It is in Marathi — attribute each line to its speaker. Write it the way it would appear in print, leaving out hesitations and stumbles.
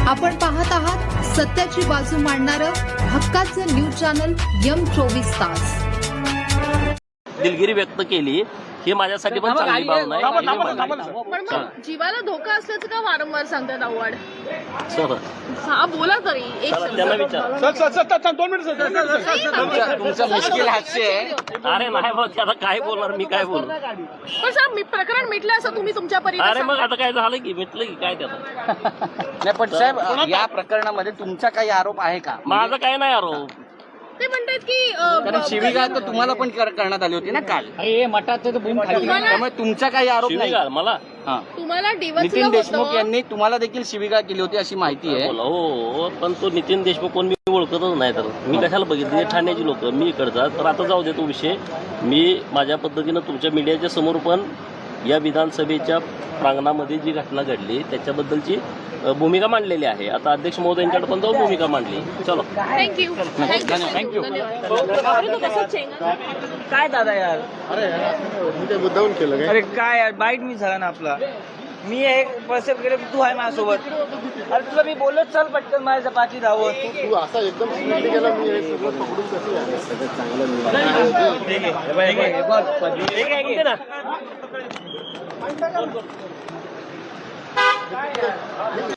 Speaker 1: आपण पाहत आहात सत्याची बाजू मांडणारं हक्काचं न्यूज चॅनल M24 तास.
Speaker 2: दिलगिरी व्यक्त केली ही माझ्यासाठी पण चांगली बाब नाही.
Speaker 3: पण मग जीवाला धोका असल्याचं का वारंवार सांगतात आव्हाड?
Speaker 2: सर
Speaker 3: हा बोला तरी एक
Speaker 2: त्यांना विचार.
Speaker 4: तुमचं मुश्किल हास्य आहे.
Speaker 2: अरे नाही भाऊ, आता काय बोलणार मी, काय बोलणार.
Speaker 3: पण साहेब मी प्रकरण मिटलं असं तुम्ही तुमच्या
Speaker 2: अरे
Speaker 3: परीने
Speaker 2: मग आता काय झालं की मिटलं की काय त्यात.
Speaker 4: नाही पण साहेब या प्रकरणामध्ये तुमचा काही आरोप आहे का?
Speaker 2: माझं काय नाही आरोप.
Speaker 3: ते म्हणतात की
Speaker 4: कारण शिवीगाळ तर तुम्हाला पण करण्यात आली होती ना काल.
Speaker 3: तुम्हाला
Speaker 4: त्यामुळे तुमचा काही आरोप नाही.
Speaker 2: शिवीगाळ मला
Speaker 4: हा.
Speaker 3: तुम्हाला डिवचलं
Speaker 4: नितीन देशमुख
Speaker 3: होतं.
Speaker 4: यांनी तुम्हाला देखील शिवीगाळ केली होती अशी माहिती आहे.
Speaker 2: बोला हो, पण तो नितीन देशमुख कोण मी ओळखतच नाही. तर मी कशाला बघितले ठाण्याची लोक, मी इकडचा. तर आता जाऊ दे तो विषय. मी माझ्या पद्धतीनं तुमच्या मीडियाच्या समोर पण या विधानसभेच्या प्रांगणामध्ये जी घटना घडली त्याच्याबद्दलची भूमिका मांडलेली आहे. आता अध्यक्ष महोदयांच्याकडे पण जाऊन भूमिका मांडली. चलो
Speaker 3: थँक्यू
Speaker 4: थँक्यू.
Speaker 5: काय दादा यार,
Speaker 6: ते मुद्दाहून केलं काय?
Speaker 5: अरे काय यार, बाईट मी झाला ना आपला. मी एक पर्सेप्ट केलं, तू आहे माझ्यासोबत. अरे तुला मी बोललो चल पटकन माझ्या पाठी धावत.
Speaker 6: तू असा एकदम स्पीडली गेला, मी हे सगळं पकडून कसं यायला सगळं चांगलं
Speaker 5: ठीक आहे.